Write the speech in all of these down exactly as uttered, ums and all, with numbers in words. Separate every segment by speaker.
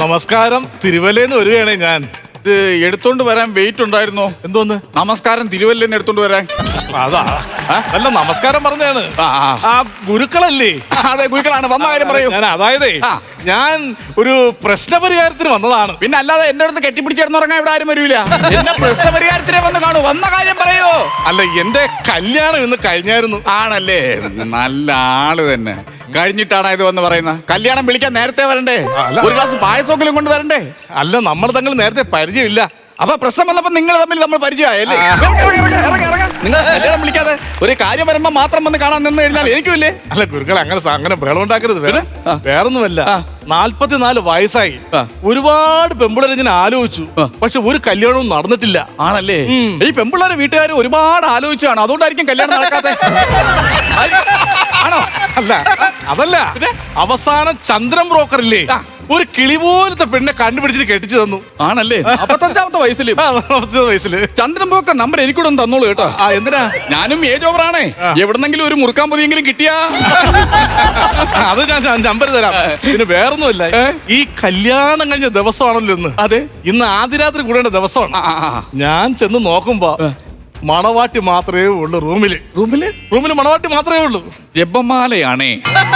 Speaker 1: നമസ്കാരം. തിരുവല്ലേന്ന് വരികയാണേ ഞാൻ.
Speaker 2: ഇത് എടുത്തോണ്ട് വരാൻ വെയിറ്റ് ഉണ്ടായിരുന്നോ?
Speaker 1: എന്തോന്ന്
Speaker 2: നമസ്കാരം തിരുവല്ലേന്ന് എടുത്തോണ്ട് വരാൻ?
Speaker 1: അതാ അല്ല, നമസ്കാരം പറഞ്ഞാണ്.
Speaker 2: ആ, ആ.
Speaker 1: ആ ഗുരുക്കളല്ലേ?
Speaker 2: അതെ, ഗുരുക്കളാണ്. വന്ന കാര്യം പറയൂ.
Speaker 1: ഞാൻ അതായതേ
Speaker 2: ആ.
Speaker 1: ഞാൻ ഒരു പ്രശ്നപരിഹാരത്തിന് വന്നതാണ്.
Speaker 2: പിന്നെ അല്ലാതെ എന്റെ അടുത്ത് കെട്ടിപ്പിടിച്ചിടന്നുറങ്ങാൻ ഇവിടെ ആരും വരൂല. എന്റെ പ്രശ്നപരിഹാരത്തിനെ വന്ന് കാണൂ. വന്ന കാര്യം പറയൂ.
Speaker 1: അല്ല, എന്റെ കല്യാണം ഇന്ന് കഴിഞ്ഞായിരുന്നു.
Speaker 2: ആണല്ലേ? നല്ല ആള് തന്നെ. കഴിഞ്ഞിട്ടാണ് ഇത് വന്ന് പറയുന്നത്. കല്യാണം വിളിക്കാൻ നേരത്തെ വരണ്ടേ?
Speaker 1: അല്ല.
Speaker 2: ഒരു ഗ്ലാസ് പായസമെങ്കിലും കൊണ്ട് വരണ്ടേ?
Speaker 1: അല്ല, നമ്മൾ തങ്ങൾ നേരത്തെ പരിചയമില്ല.
Speaker 2: അപ്പൊ പ്രശ്നം വന്നപ്പോ നിങ്ങൾ തമ്മിൽ നമ്മൾ പരിചയമായല്ലേ? നിങ്ങൾ കല്യാണം വിളിക്കാതെ ഒരു കാര്യം വരുമ്പോ മാത്രം വന്ന് കാണാൻ നിന്ന് കഴിഞ്ഞാൽ എനിക്കുമില്ലേ?
Speaker 1: അല്ല ഗുരുക്കൾ, അങ്ങനെ സ- അങ്ങനെ ബഹളം ഉണ്ടാക്കരുത്. വേറെ
Speaker 2: ആ.
Speaker 1: വേറൊന്നുമല്ല,
Speaker 2: ആ.
Speaker 1: നാല്പത്തിനാല് വയസ്സായി.
Speaker 2: ആ.
Speaker 1: ഒരുപാട് പെമ്പിളരെ ഞാൻ ആലോചിച്ചു.
Speaker 2: ആ.
Speaker 1: പക്ഷെ ഒരു കല്യാണവും നടന്നിട്ടില്ല.
Speaker 2: ആണല്ലേ?
Speaker 1: ഉം.
Speaker 2: ഈ പെമ്പിള്ളേരെ വീട്ടുകാർ ഒരുപാട് ആലോചിച്ചാണ്, അതുകൊണ്ടായിരിക്കും കല്യാണം നടക്കാത്തെ. ആണോ?
Speaker 1: അല്ല, അതല്ല. അവസാനം ചന്ദ്രൻ ബ്രോക്കർ ഇല്ലേ,
Speaker 2: ആ.
Speaker 1: ഒരു കിളി പോലത്തെ പെണ്ണെ കണ്ടുപിടിച്ചിട്ട് കെട്ടിച്ചു തന്നു.
Speaker 2: ആണല്ലേ? അപ്പത്തഞ്ചാമത്തെ വയസ്സില്
Speaker 1: ആ, നാപ്പത്തിയൊന്ന് വയസ്സില്.
Speaker 2: ചന്ദ്രൻ ബ്രോക്കർ നമ്പർ എനിക്കൂടെ ഒന്ന് തന്നോളൂ കേട്ടോ.
Speaker 1: ആ, എന്തിനാ?
Speaker 2: ഞാനും ഏജ് ഓവർ ആണേ. എവിടെന്നെങ്കിലും ഒരു മുറുക്കാൻ പൊതിയെങ്കിലും കിട്ടിയാ
Speaker 1: അത് ഞാൻ ഞാൻ നമ്പർ തരാം. പിന്നെ വേറൊന്നുമില്ല, ഈ കല്യാണം കഴിഞ്ഞ ദിവസമാണല്ലോ ഇന്ന്.
Speaker 2: അതെ.
Speaker 1: ഇന്ന് ആദ്യരാത്രി കൂടേണ്ട ദിവസമാണ്.
Speaker 2: ആ, ആ, ആ.
Speaker 1: ഞാൻ ചെന്ന് നോക്കുമ്പോ മണവാട്ടി മാത്രമേ ഉള്ളൂ റൂമില്.
Speaker 2: റൂമില്
Speaker 1: റൂമില് മണവാട്ടി മാത്രമേ ഉള്ളൂ.
Speaker 2: ജപമാലയാണേ.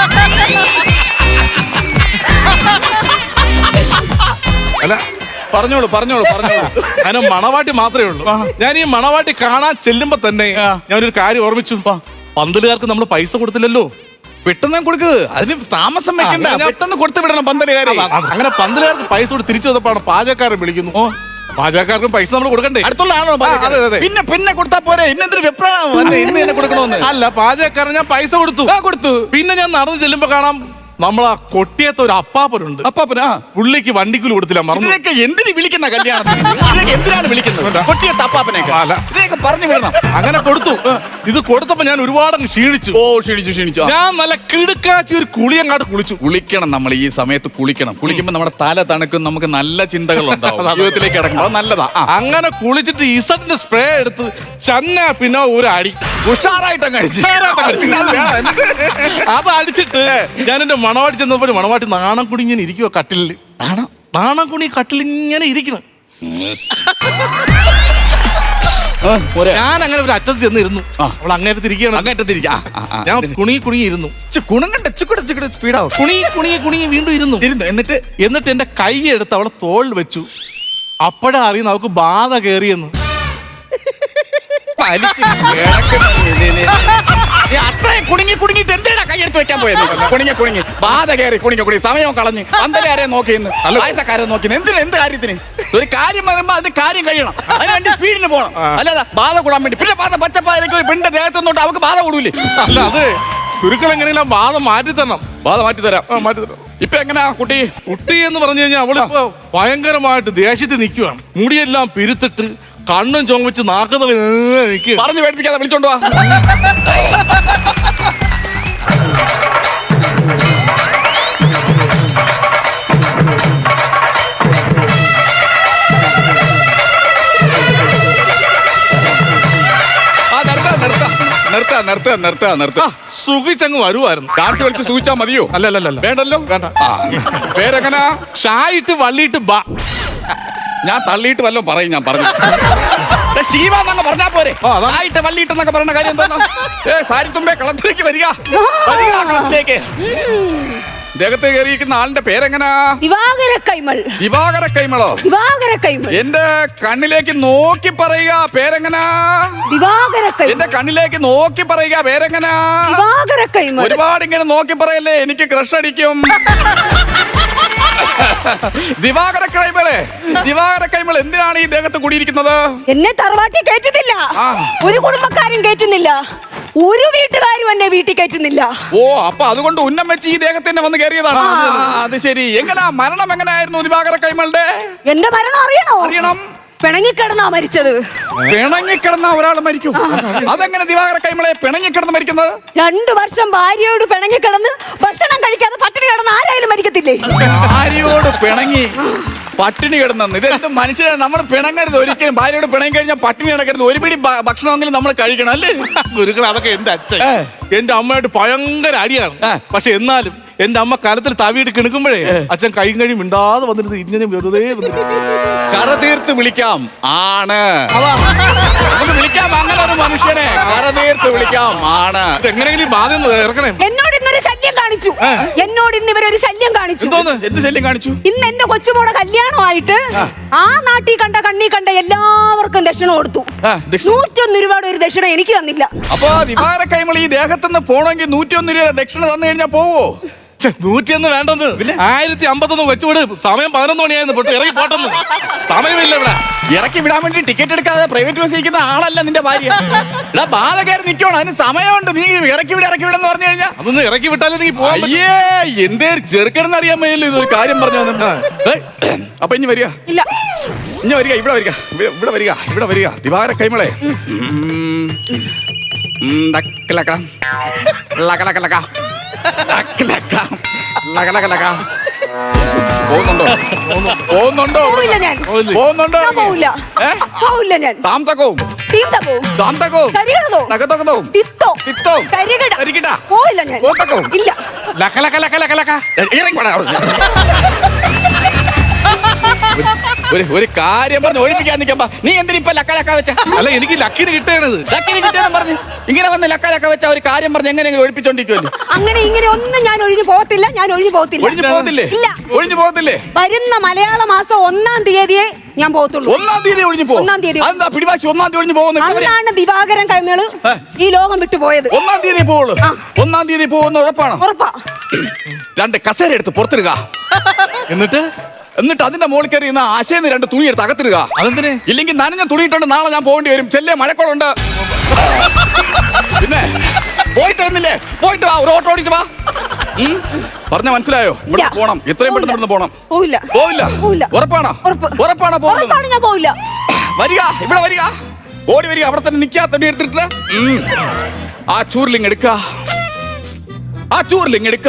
Speaker 1: അല്ല,
Speaker 2: പറഞ്ഞോളൂ പറഞ്ഞോളൂ പറഞ്ഞോളൂ.
Speaker 1: അതിന് മണവാട്ടി മാത്രമേ ഉള്ളൂ. ഞാൻ ഈ മണവാട്ടി കാണാൻ ചെല്ലുമ്പോ തന്നെ ഞാനൊരു കാര്യം ഓർമ്മിച്ചു. പന്തലുകാർക്ക് നമ്മൾ പൈസ കൊടുത്തില്ലല്ലോ.
Speaker 2: പെട്ടെന്ന് കൊടുക്ക്, അതിന് താമസം വെക്കണ്ട.
Speaker 1: ഞാൻ-
Speaker 2: പെട്ടെന്ന് കൊടുത്തു വിടണം പന്തലുകാരെ.
Speaker 1: അങ്ങനെ പന്തലുകാർക്ക് പൈസ കൊടുത്ത് തിരിച്ചു വന്നപ്പോഴാണ് പാചകക്കാരൻ വിളിക്കുന്നു. പാചകക്കാർക്കും പൈസ നമ്മൾ കൊടുക്കണ്ടേ?
Speaker 2: അടുത്തുള്ള ആണോ?
Speaker 1: ആ, അതെ, അതെ.
Speaker 2: പിന്നെ പിന്നെ കൊടുത്താ പോരെ? ഇന്നെന്തൊരു വെപ്രാളം വന്ന് ഇന്ന് തന്നെ കൊടുക്കണോന്ന്?
Speaker 1: അല്ല, പാചകക്കാരൻ ഞാൻ പൈസ കൊടുത്തു.
Speaker 2: ആ, കൊടുത്തു.
Speaker 1: പിന്നെ ഞാൻ നടന്നു ചെല്ലുമ്പോ കാണാം നമ്മളാ കൊട്ടിയത്തെ ഒരു അപ്പാപ്പനുണ്ട്.
Speaker 2: അപ്പാപ്പനാ?
Speaker 1: പുള്ളിക്ക് വണ്ടിക്കൂലി കൊടുത്തില്ല, മറന്നു.
Speaker 2: ഇതിനൊക്കെ എന്തിനു വിളിക്കുന്ന കല്യാണത്തിന്? ഇതിനൊക്കെ എന്തിനാണ് വിളിക്കുന്നത്? കൊട്ടിയത്തെ അപ്പാപ്പനെയൊക്കെ
Speaker 1: അല്ല.
Speaker 2: ഇതിനൊക്കെ പറഞ്ഞു വിടണം.
Speaker 1: അങ്ങനെ കൊടുത്തു. ഇത് കൊടുത്തപ്പോ ഞാൻ ഒരുപാട് ക്ഷീണിച്ചു.
Speaker 2: ഓ, ക്ഷീണിച്ചു ക്ഷീണിച്ചു. ആ.
Speaker 1: ഞാൻ നല്ല കിടുക്കാച്ചി ഒരു കുളിയങ്ങാട്ട് കുളിച്ചു.
Speaker 2: കുളിക്കണം. നമ്മൾ ഈ സമയത്ത് കുളിക്കണം. കുളിക്കുമ്പോൾ നമ്മുടെ തല തണുക്കും, നമുക്ക് നല്ല ചിന്തകൾ ഉണ്ടാവും, ജീവിതത്തിലേക്ക് ഇറങ്ങണം. അത് നല്ലതാ. ആ.
Speaker 1: അങ്ങനെ കുളിച്ചിട്ട് ഇസഡിന്റെ സ്പ്രേ എടുത്ത് ചന്ന പിന്നെ ഒരു അടി
Speaker 2: ഉഷാറായിട്ട് അങ്ങ് അടിച്ചു.
Speaker 1: ഉഷാറായിട്ട് അടിച്ചു.
Speaker 2: പിന്നെ അത് വേണം. എന്നിട്ട്
Speaker 1: അത് അടിച്ചിട്ട് ഞാൻ എന്റെ മണവാട്ടി ചെന്നപ്പോ മണവാട്ടി നാണം കുടി ഇങ്ങനെ ഇരിക്കുവോ കട്ടിലില്.
Speaker 2: ആണോ?
Speaker 1: നാണം കുണി കട്ടിൽ ഇങ്ങനെ ഇരിക്കണം. ഞാൻ അങ്ങനെ ഒരു അറ്റത്ത് ചെന്നിരുന്നു. അവൾ അങ്ങേറ്റത്ത് ഇരിക്കുകയാണ്.
Speaker 2: അങ്ങേറ്റത്തിരിക്കാം.
Speaker 1: ഞാൻ കുണി കുണി ഇരുന്നു.
Speaker 2: കുണുങ്ങണ്ട, ചുക്കുട ചുക്കുട സ്പീഡാവും.
Speaker 1: കുണി കുണി കുണി വീണ്ടും ഇരുന്നു.
Speaker 2: ഇരുന്നു. എന്നിട്ട്
Speaker 1: എന്നിട്ട് എന്റെ കൈ എടുത്ത് അവളെ തോളിൽ വെച്ചു. അപ്പോഴാ അറിയുന്നു അവൾക്ക് ബാധ കയറിയെന്ന്.
Speaker 2: വലിച്ച് കിടക്കുന്ന നീ- നീ- നീ അത്രയും കുടുങ്ങി കുടുങ്ങിട്ട് എന്തിനാ കൈയെടുത്ത് വെക്കാൻ പോയത്? കുടുങ്ങി കുടുങ്ങി ബാധ കയറി കുടുങ്ങി കുടുങ്ങി സമയം കളഞ്ഞ് പന്തലാരെ നോക്കിയെന്ന് ആയത്തക്കാരെ നോക്കിയെന്ന് എന്തിന്? എന്ത് കാര്യത്തിന്? ഒരു കാര്യം വരുമ്പോ അത് കാര്യം കഴിയണം. അതിന് വേണ്ടി സ്പീഡിന് പോകണം. അല്ലാതെ ബാധ കൂടാൻ വേണ്ടി പിന്നെ ബാധ പച്ചപ്പാലേക്ക് ഒരു പെണ്ണിന്റെ ദേഹത്ത് നിന്നോട്ട് അവർക്ക് ബാധ കൂടൂലേ?
Speaker 1: അല്ല, അത് ഗുരുക്കൾ എങ്ങനെയെല്ലാം ബാധ മാറ്റി തരണം.
Speaker 2: ബാധ മാറ്റി തരാം.
Speaker 1: ആ, മാറ്റി തരണം.
Speaker 2: ഇപ്പൊ എങ്ങനെയാ കുട്ടി?
Speaker 1: കുട്ടി എന്ന് പറഞ്ഞു കഴിഞ്ഞാൽ അവളിപ്പോ ഭയങ്കരമായിട്ട് ദേഷ്യത്തിൽ നിൽക്കുവാണ്. മുടിയെല്ലാം പിരുത്തിട്ട് കണ്ണും ചുമച്ച് നാക്കുന്ന നിൽക്കുക.
Speaker 2: പറഞ്ഞു പേടിപ്പിക്കാതെ വിളിച്ചോണ്ട് വാ. ആ, നിർത്താ നിർത്താ നിർത്താ നിർത്താ നിർത്താ നിർത്താ.
Speaker 1: സുഖിച്ചങ്ങ് വരുമായിരുന്നു.
Speaker 2: ഡാൻസ് കളിച്ച് സൂചിച്ചാ മതിയോ?
Speaker 1: അല്ല അല്ല അല്ല
Speaker 2: വേണ്ടല്ലോ.
Speaker 1: വേണ്ട.
Speaker 2: ആ, പേരെങ്ങനാ?
Speaker 1: ഷായിട്ട് വള്ളിയിട്ട് ബാ.
Speaker 2: ഞാൻ തള്ളിയിട്ട് വല്ലോ പറയും. ഞാൻ പറഞ്ഞു ശീവാന്നങ്ങ് പറഞ്ഞാ പോരെ?
Speaker 1: ആ, അതാണ്.
Speaker 2: ആയിട്ട് വള്ളിയിട്ടെന്നൊക്കെ പറയുന്ന കാര്യം എന്താ? ഏ സാരിത്തുമ്പേ കളത്തിലേക്ക് വരിക, വരിക കളത്തിലേക്ക്. ദേഹത്ത് കയറിയിരിക്കുന്ന ആളിന്റെ പേരെങ്ങനാ?
Speaker 3: ദിവാകര കൈമൾ.
Speaker 2: ദിവാകര കൈമളോ?
Speaker 3: ദിവാകര കൈമൾ.
Speaker 2: എന്റെ കണ്ണിലേക്ക് നോക്കി പറയുക, പേരെങ്ങനാ?
Speaker 3: ദിവാകര കൈമൾ.
Speaker 2: എന്റെ കണ്ണിലേക്ക് നോക്കി പറയുക, പേരെങ്ങനാ?
Speaker 3: ദിവാകര കൈമൾ.
Speaker 2: ഒരുപാട് ഇങ്ങനെ നോക്കി പറയല്ലേ, എനിക്ക് ക്രഷ് അടിക്കും. ദിവാകര കൈമളെ, ദിവാകര കൈമൾ എന്തിനാണ് ഈ ദേഹത്ത് കൂടിയിരിക്കുന്നത്?
Speaker 3: എന്നെ തറവാട്ടി കയറ്റുന്നില്ല.
Speaker 2: ആ.
Speaker 3: ഒരു കുടുംബക്കാരും കയറ്റുന്നില്ല. ഒരു വീട്ടുകാരും എന്നെ വീട്ടിൽ കയറ്റുന്നില്ല.
Speaker 2: ഓ, അപ്പൊ അതുകൊണ്ട് ഉന്നം വെച്ച് ഈ ദേഹത്തിന്റെ വന്ന് കയറിയതാണ്. ആ, അത് ശരി. എങ്ങനാ മരണം? എങ്ങനായിരുന്നു ദിവാകര കൈമളുടെ?
Speaker 3: എന്റെ മരണം അറിയണോ?
Speaker 2: അറിയണം.
Speaker 3: പിണങ്ങിക്കിടന്നാ മരിച്ചത്.
Speaker 2: പിണങ്ങിക്കിടന്ന ഒരാൾ മരിക്കും? അതെങ്ങനെ ദിവാകര കൈമളെ പിണങ്ങിക്കിടന്ന് മരിക്കുന്നത്?
Speaker 3: രണ്ടു വർഷം ഭാര്യയോട് പിണങ്ങിക്കിടന്ന് ഭക്ഷണം കഴിക്കാതെ പട്ടിണി കിടന്ന് ആരായാലും മരിക്കത്തില്ലേ?
Speaker 2: ഭാര്യയോട് പിണങ്ങി പട്ടിണി കിടന്നു. ഇതെന്ത് മനുഷ്യരെ? നമ്മൾ പിണങ്ങരുത് ഒരിക്കലും. ഭാര്യയോട് പിണങ്ങി കഴിഞ്ഞാൽ പട്ടിണി കിടക്കരുത്. ഒരു പിടി ഭ- ഭക്ഷണമെങ്കിലും നമ്മൾ കഴിക്കണം, അല്ലേ?
Speaker 1: ഗുരുക്കൾ, അതൊക്കെ എന്റെ അച്ഛൻ എന്റെ അമ്മയായിട്ട് ഭയങ്കര അടിയാണ്.
Speaker 2: ആ.
Speaker 1: പക്ഷെ എന്നാലും എന്റെ അമ്മ കലത്തിൽ തവിയിട്ട് കിണുക്കുമ്പോഴേ അച്ഛൻ കൈയും കഴിയും മിണ്ടാതെ വന്നിരുന്നത് ഇങ്ങനെ വെറുതെ വന്നിരുന്നു.
Speaker 2: കറ തീർത്ത് വിളിക്കാം ആണ്.
Speaker 1: അതാ.
Speaker 2: നമുക്ക് വിളിക്കാം അങ്ങനെ ഒരു മനുഷ്യനെ കറ തീർത്ത് വിളിക്കാം ആണ്.
Speaker 1: എങ്ങനെയെങ്കിലും ബാധ ഇറക്കണേ.
Speaker 3: എന്നോട് ഇന്നൊരു ശല്യം കാണിച്ചു. എന്നോട് ഇന്ന് ഇവരൊരു ശല്യം കാണിച്ചു.
Speaker 1: എന്തോന്ന്?
Speaker 2: എന്ത് ശല്യം കാണിച്ചു?
Speaker 3: ഇന്ന് എന്റെ കൊച്ചുമോടെ കല്യാണമായിട്ട് ആ നാട്ടിൽ കണ്ട കണ്ണി കണ്ട എല്ലാവർക്കും ദക്ഷിണ കൊടുത്തു.
Speaker 2: ആ, ദക്ഷിണ.
Speaker 3: നൂറ്റൊന്ന് രൂപയുടെ ഒരു ദക്ഷിണ എനിക്ക് തന്നില്ല.
Speaker 2: അപ്പൊ ദിവാര കൈമൾ ഈ ദേഹത്തുനിന്ന് പോണെങ്കിൽ നൂറ്റിയൊന്ന് രൂപ ദക്ഷിണ തന്നു കഴിഞ്ഞാൽ പോവോ?
Speaker 1: നൂറ്റിയൊന്ന് വേണ്ടെന്ന് ആയിരത്തി അമ്പത്തൊന്ന് വെച്ചുവിട്. സമയം പതിനൊന്ന് മണിയായിരുന്നു. പൊട്ട് ഇറങ്ങി പോട്ടെന്ന്. സമയമില്ല ഇവിടെ.
Speaker 2: ഇറക്കി വിടാൻ വേണ്ടി ടിക്കറ്റ് എടുക്കാതെ പ്രൈവറ്റ് ബസ് ഇരിക്കുന്ന ആളല്ല നിന്റെ ഭാര്യ. ഇവിടെ ബാധ കയറി നിൽക്കണം. അതിന് സമയമുണ്ട്. നീ ഇറക്കി വിട ഇറക്കി വിടെന്ന് പറഞ്ഞു കഴിഞ്ഞാൽ
Speaker 1: അതൊന്ന് ഇറക്കി വിട്ടാലേ നീ പോവാൻ പറ്റൂ.
Speaker 2: അയ്യേ എന്തേ ചെറുക്കണെന്ന് അറിയാൻ മേലോ ഇതൊരു കാര്യം പറഞ്ഞു വന്നു. അപ്പൊ ഇനി വരിക
Speaker 3: ഇല്ല.
Speaker 2: ഇനി വരിക ഇവിടെ വരിക ഇവിടെ- ഇവിടെ വരിക ഇവിടെ വരിക ദിവാര കൈമളെ. ലക്ക ലക്ക ലക്ക ലക്ക പോകുന്നുണ്ടോ പോകുന്നുണ്ടോ
Speaker 3: പോവില്ല ഞാൻ.
Speaker 2: പോകുന്നുണ്ടോ
Speaker 3: ഞാൻ പോവില്ല.
Speaker 2: ഏ?
Speaker 3: പോവില്ല ഞാൻ.
Speaker 2: താം തക്കവും
Speaker 3: തീം തകവും.
Speaker 2: താം തക്കവും
Speaker 3: കരികിടതോ.
Speaker 2: തകതകതവും
Speaker 3: തിത്തോ.
Speaker 2: തിത്തവും
Speaker 3: കരികിട.
Speaker 2: കരികിട.
Speaker 3: പോവില്ല ഞാൻ.
Speaker 2: കോത്തക്കവും.
Speaker 3: ഇല്ല.
Speaker 1: ലക്ക ലക്ക ലക്ക ലക്ക ലക്ക.
Speaker 2: ഇറങ്ങി പോടാ അവിടുന്ന്. ഒരു- ഒരു കാര്യം പറഞ്ഞ് ഒഴിപ്പിക്കാൻ നിൽക്കുമ്പോ നീ എന്തിനാ ഇപ്പൊ ലക്ക ലക്ക വെച്ച?
Speaker 1: അല്ല എനിക്ക് ലക്കിന് കിട്ടേണത്.
Speaker 2: ലക്കിന് കിട്ടിയെന്ന് പറഞ്ഞ് ഇങ്ങനെ വന്ന് ലക്ക ലക്ക വെച്ച ഒരു കാര്യം പറഞ്ഞ് എങ്ങനെയെങ്കിലും ഒഴിപ്പിച്ചോണ്ടിരിക്കുമല്ലോ.
Speaker 3: അങ്ങനെ ഇങ്ങനെ ഒന്നും ഞാൻ ഒഴിഞ്ഞു പോകത്തില്ല. ഞാൻ ഒഴിഞ്ഞു പോകത്തില്ല.
Speaker 2: ഒഴിഞ്ഞു പോകത്തില്ലേ?
Speaker 3: ഇല്ല.
Speaker 2: ഒഴിഞ്ഞു പോകത്തില്ലേ?
Speaker 3: വരുന്ന മലയാള മാസം ഒന്നാം തീയതിയെ ഞാൻ പോകത്തുള്ളൂ.
Speaker 2: ഒന്നാം തീയതി ഒഴിഞ്ഞു പോകും.
Speaker 3: ഒന്നാം തീയതി.
Speaker 2: അതെന്താ പിടിവാശി ഒന്നാം തീയതി ഒഴിഞ്ഞു പോകുന്നു?
Speaker 3: അന്നാണ് ദിവാകരൻ കൈമേള്
Speaker 2: ഏ?
Speaker 3: ഈ ലോകം വിട്ടു പോയത്.
Speaker 2: ഒന്നാം തീയതി പോവുള്ളൂ.
Speaker 3: ആ.
Speaker 2: ഒന്നാം തീയതി പോകുന്ന ഉറപ്പാണോ?
Speaker 3: ഉറപ്പാ.
Speaker 2: രണ്ട് കസേര എടുത്ത് പുറത്തിടുക.
Speaker 1: എന്നിട്ട്
Speaker 2: എന്നിട്ട് അതിന്റെ മുകളിൽ കയറി ഇന്ന് ആശയെന്ന് രണ്ട് തുണി എടുത്ത് അകത്തിടുക.
Speaker 1: അതെന്തിന്?
Speaker 2: ഇല്ലെങ്കിൽ നനഞ്ഞ തുണിയിട്ടുണ്ട് നാളെ ഞാൻ പോകേണ്ടി വരും. ചെല്ലേ മഴക്കോളുണ്ട്. പിന്നെ പോയിട്ട് വന്നില്ലേ? പോയിട്ട് വാ. ഒരു ഓട്ടോ ഓടിയിട്ട് വാ. ഉം? പറഞ്ഞ മനസ്സിലായോ? ഇവിടെ
Speaker 3: ഇല്ല.
Speaker 2: പോണം. എത്രയും പെട്ടെന്ന് ഇവിടുന്ന് പോണം.
Speaker 3: പോവില്ല.
Speaker 2: പോവില്ല.
Speaker 3: പോവില്ല.
Speaker 2: ഉറപ്പാണോ?
Speaker 3: ഉറപ്പ്.
Speaker 2: ഉറപ്പാണോ പോകുന്നത്?
Speaker 3: ഉറപ്പാണ് ഞാൻ പോവില്ല.
Speaker 2: വരിക ഇവിടെ വരിക. ഓടി വരിക. അവിടെ തന്നെ നിൽക്കാ. തുണി എടുത്തിട്ട് ഉം. ആ ചൂരിലിങ് എടുക്ക. ആ ചൂരിലിങ് എടുക്ക.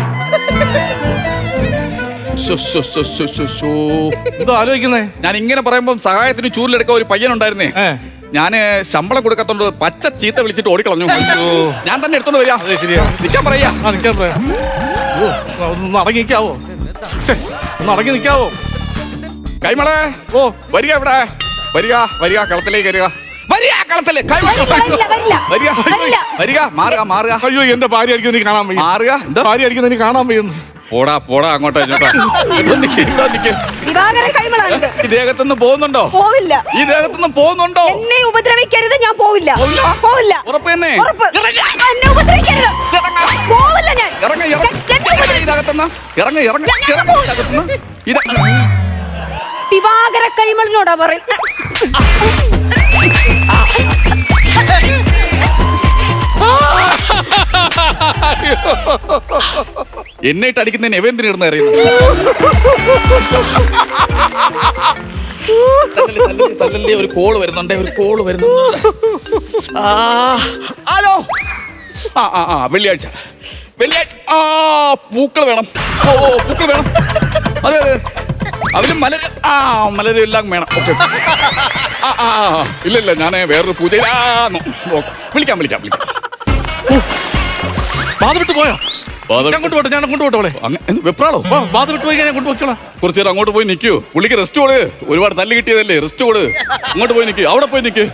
Speaker 2: ശോ, ശോ, ശോ, ശോ, ശോ, ശോ.
Speaker 1: എന്തോ ആലോചിക്കുന്നേ?
Speaker 2: ഞാൻ ഇങ്ങനെ പറയുമ്പോ സഹായത്തിന് ചൂരിലെടുക്കാൻ ഒരു പയ്യനുണ്ടായിരുന്നേ.
Speaker 1: ഏ.
Speaker 2: ഞാന് ശമ്പളം കൊടുക്കത്തോണ്ട് പച്ച ചീത്ത വിളിച്ചിട്ട് ഓടിക്കളഞ്ഞു.
Speaker 1: ഓ.
Speaker 2: ഞാൻ തന്നെ എടുത്തോണ്ട് വരിക.
Speaker 1: അതെ ശരിയാ.
Speaker 2: നിൽക്കാൻ പറയാ.
Speaker 1: ആ നിൽക്കാൻ പറയാം. ഓ, ഒന്ന് അടങ്ങി നിൽക്കാവോ? ശ്ശെ, ഒന്ന് അടങ്ങി നിൽക്കാവോ?
Speaker 2: കൈമളെ
Speaker 1: ഓ
Speaker 2: വരിക ഇവിടെ വരിക വരിക കളത്തിലേക്ക് വരിക. വരിക കളത്തില് കൈമള
Speaker 3: വരില്ല, വരില്ല.
Speaker 2: വരിക
Speaker 3: വരില്ല.
Speaker 2: വരിക മാറുക മാറുക
Speaker 1: അയ്യോ എന്റെ ഭാര്യ അടിക്കുന്നത് എനിക്ക് കാണാൻ വയ്യ.
Speaker 2: മാറുക. എന്താ
Speaker 1: ഭാര്യ അടിക്കുന്നത് എനിക്ക് കാണാൻ വയ്യുന്നു.
Speaker 2: പോടാ പോടാ അങ്ങോട്ടോ ഇങ്ങോട്ടോ. ഇവിടെ നിക്ക്, ഇവിടെ നിക്ക്.
Speaker 3: ദിവാകരൻ കൈമളാണിത്.
Speaker 2: ഈ ദേഹത്തുനിന്ന് പോകുന്നുണ്ടോ?
Speaker 3: പോവില്ല.
Speaker 2: ഈ ദേഹത്തുനിന്ന് പോകുന്നുണ്ടോ?
Speaker 3: എന്നെ ഉപദ്രവിക്കരുത്. ഞാൻ പോവില്ല.
Speaker 2: പോവില്ല?
Speaker 3: പോവില്ല.
Speaker 2: ഉറപ്പ് തന്നെ?
Speaker 3: ഉറപ്പ്.
Speaker 2: ഇറങ്ങ്.
Speaker 3: എന്നെ ഉപദ്രവിക്കരുത്.
Speaker 2: ഇറങ്ങ്.
Speaker 3: പോവില്ല ഞാൻ.
Speaker 2: ഇറങ്ങ ഇറങ്ങ ഇതകത്തുന്ന ഇറങ്ങ ഇറങ്ങ ഇറങ്ങ ഇതകത്തുന്ന ഇത്
Speaker 3: ദിവാകര കൈമളിനോടാ പറയും.
Speaker 2: എന്നിട്ട് അടിക്കുന്നതിന് എവന്തിന് ഇടുന്ന അറിയുന്നു. ഒരു കോള് വരുന്നുണ്ട് ഒരു കോള് വരുന്നുണ്ട്. ആ, ഹലോ. ആ ആ ആ വെള്ളിയാഴ്ച വെള്ളിയാഴ്ച ആ പൂക്കൾ വേണം. ഓ ഓ പൂക്കൾ വേണം. അതെ അതെ അതിലും മലര് ആ മലര് എല്ലാം വേണം. ഓക്കെ ആ ആ ഇല്ല ഇല്ല ഞാൻ വേറൊരു പൂജയിലാന്നു. വിളിക്കാം വിളിക്കാം വിളിക്കാം.
Speaker 1: ബാധ വിട്ട് പോയോ?
Speaker 2: ബാധ-
Speaker 1: ഞാൻ കൊണ്ടുപോട്ടെ ഞാൻ കൊണ്ടുപോട്ടെ അവളെ.
Speaker 2: അങ്ങ് എന്ത് വെപ്രാളോ?
Speaker 1: ഓ ബാധ വിട്ട് പോയി ഞാൻ കൊണ്ടുപോയിക്കോളാം.
Speaker 2: കുറച്ചു നേരം അങ്ങോട്ട് പോയി നിൽക്കൂ. പുള്ളിക്ക് റെസ്റ്റ് കൊടു. ഒരുപാട് തല്ല് കിട്ടിയതല്ലേ. റെസ്റ്റ് കൊടു. അങ്ങോട്ട് പോയി നിൽക്കൂ. അവിടെ പോയി നിൽക്കൂ.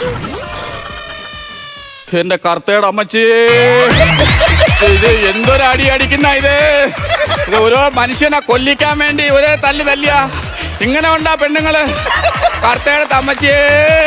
Speaker 2: എന്റെ കർത്തയുടെ അമ്മച്ചി ഇത് എന്തൊരു അടി അടിക്കുന്ന ഇത് ഇത് ഓരോ മനുഷ്യനെ കൊല്ലിക്കാൻ വേണ്ടി ഒരേ തല്ല് തല്ലിയ ഇങ്ങനെ ഉണ്ടാ പെണ്ണുങ്ങള്. കർത്തയുടെ അമ്മച്ചിയേ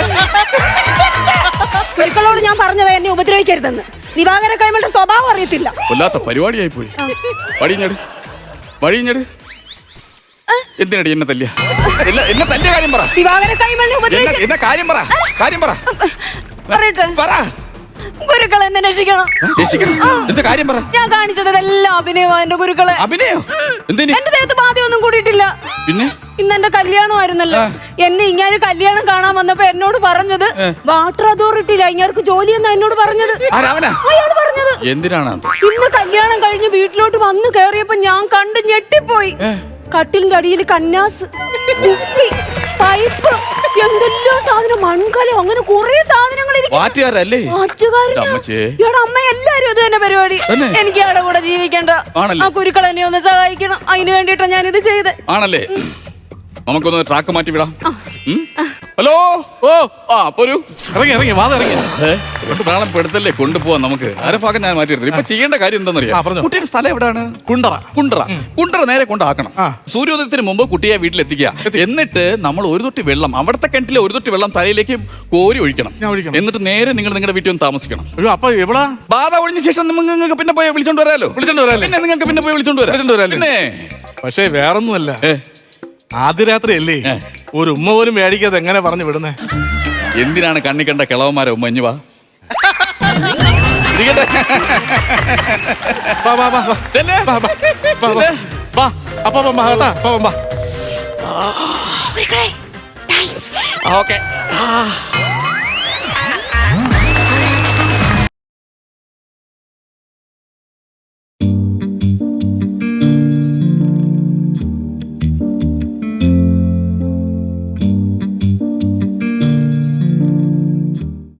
Speaker 3: ഒരിക്കലോട് ഞാൻ പറഞ്ഞത് എന്നെ ഉപദ്രവിക്കരുതെന്ന്. ദിവാകര കൈമളുടെ സ്വഭാവം അറിയത്തില്ല.
Speaker 2: കൊല്ലാത്ത പരിപാടിയായി പോയി. വഴിഞ്ഞട് വഴിഞ്ഞട് എന്തിനടി എന്നെ തല്ലിയ? എന്നെ എന്നെ തല്ലിയ കാര്യം പറ.
Speaker 3: ദിവാകര കൈമളിനെ
Speaker 2: എന്നെ
Speaker 3: ഉപദ്രവിക്ക
Speaker 2: എന്നെ കാര്യം പറ. കാര്യം പറ
Speaker 3: പറയട്ടെ.
Speaker 2: പറ.
Speaker 3: ഗുരുക്കളെ എന്നെ രക്ഷിക്കണം.
Speaker 2: രക്ഷിക്കണം. എന്ത് കാര്യം പറ.
Speaker 3: ഞാൻ കാണിച്ചത് എല്ലാം അഭിനയമാ എന്റെ ഗുരുക്കളെ.
Speaker 2: അഭിനയോ? എന്തിന്?
Speaker 3: എന്റെ ദേഹത്ത് ബാധയൊന്നും കൂടിയിട്ടില്ല.
Speaker 2: പിന്നെ
Speaker 3: ഇന്ന് എന്റെ കല്യാണമായിരുന്നല്ലോ. എന്നെ ഇങ്ങനെ കല്യാണം കാണാൻ വന്നപ്പോ എന്നോട് പറഞ്ഞത് വാട്ടർ അതോറിറ്റിയില ഇങ്ങാർക്ക് ജോലി എന്നാ എന്നോട് പറഞ്ഞത്.
Speaker 2: ആരാവനാ?
Speaker 3: അയാൾ പറഞ്ഞത്.
Speaker 2: എന്തിനാണ്?
Speaker 3: ഇന്ന് കല്യാണം കഴിഞ്ഞ് വീട്ടിലോട്ട് വന്ന് കേറിയപ്പോ ഞാൻ കണ്ട് ഞെട്ടിപ്പോയി. കട്ടിലിന്റെ അടിയിൽ കന്നാസ്, കുപ്പി, പൈപ്പ്, എന്തെല്ലോ സാധനം, മൺകലം, അങ്ങനെ കുറെ സാധനങ്ങൾ പോയിക്കൊണ്ടിരിക്കും.
Speaker 2: വാറ്റുകാരല്ലേ?
Speaker 3: വാറ്റുകാരനാ?
Speaker 2: അമ്മച്ചേ.
Speaker 3: ഇയാടെ അമ്മ എല്ലാരും ഇത് തന്നെ പരിപാടി.
Speaker 2: തന്നെ?
Speaker 3: എനിക്ക് ഇയാടെ കൂടെ ജീവിക്കണ്ട.
Speaker 2: ആണല്ലേ?
Speaker 3: ആ കുരുക്കൾ എന്നെ ഒന്ന് സഹായിക്കണം. അതിന് വേണ്ടിട്ടാ ഞാൻ ഇത് ചെയ്ത്.
Speaker 2: ആണല്ലേ? നമുക്കൊന്ന് ട്രാക്ക് മാറ്റി വിടാം. ഉം? ഹലോ.
Speaker 1: ഓ
Speaker 2: ആ പോരൂ.
Speaker 1: ഇറങ്ങി ഇറങ്ങി വാദം ഇറങ്ങി.
Speaker 2: നാളെ പെടുത്തല്ലേ കൊണ്ടുപോവാൻ നമുക്ക്. അരഭാഗം ഞാൻ മാറ്റി എടുത്തു. ഇപ്പൊ ചെയ്യേണ്ട കാര്യം
Speaker 1: ആ,
Speaker 2: എന്താണെന്നറിയാം?
Speaker 1: പറഞ്ഞോ.
Speaker 2: കുട്ടിയുടെ സ്ഥലം എവിടെയാണ്?
Speaker 1: കുണ്ടറ.
Speaker 2: കുണ്ടറ. കുണ്ടറ നേരെ കൊണ്ടാക്കണം.
Speaker 1: ആ.
Speaker 2: സൂര്യോദയത്തിന് മുമ്പ് കുട്ടിയെ വീട്ടിലെത്തിക്കുക. എന്നിട്ട് നമ്മൾ ഒരു തൊട്ടി വെള്ളം, അവിടുത്തെ കിണറ്റിലെ ഒരു തൊട്ടി വെള്ളം തലയിലേക്ക് കോരി ഒഴിക്കണം.
Speaker 1: ഞാൻ ഒഴിക്കണം.
Speaker 2: എന്നിട്ട് നേരെ നിങ്ങൾ നിങ്ങളുടെ വീട്ടിൽ ഒന്ന് താമസിക്കണം.
Speaker 1: അയ്യോ അപ്പൊ എവിടാ?
Speaker 2: ബാധ ഒഴിഞ്ഞ ശേഷം നിങ്ങൾക്ക് പിന്നെ പോയി വിളിച്ചോണ്ട് വരാലോ.
Speaker 1: വിളിച്ചോണ്ട് വരാല്ലേ?
Speaker 2: പിന്നെ നിങ്ങൾക്ക് പിന്നെ പോയി വിളിച്ചോണ്ട് വരാം.
Speaker 1: വിളിച്ചോണ്ട് വരാല്ലേ?
Speaker 2: പിന്നെ
Speaker 1: പക്ഷേ വേറൊന്നുമല്ല,
Speaker 2: ഏ,
Speaker 1: ആദ്യ രാത്രി അല്ലേ
Speaker 2: ഏ.
Speaker 1: ഒരു ഉമ്മ പോലും മേടിക്കാതെ എങ്ങനെ പറഞ്ഞു വിടുന്നേ?
Speaker 2: എന്തിനാണ് കണ്ണി കണ്ട കിളവന്മാരെ ഉമ്മഞ്ഞു വാ. ഇരിക്കട്ടെ.
Speaker 1: വാ വാ വാ വാ.
Speaker 2: ചെല്ല്.
Speaker 1: വാ വാ വാ വാ.
Speaker 2: ചെല്ല്.
Speaker 1: വാ അപ്പ വാ കേട്ടാ. വാ വാ.
Speaker 2: ഓക്കെ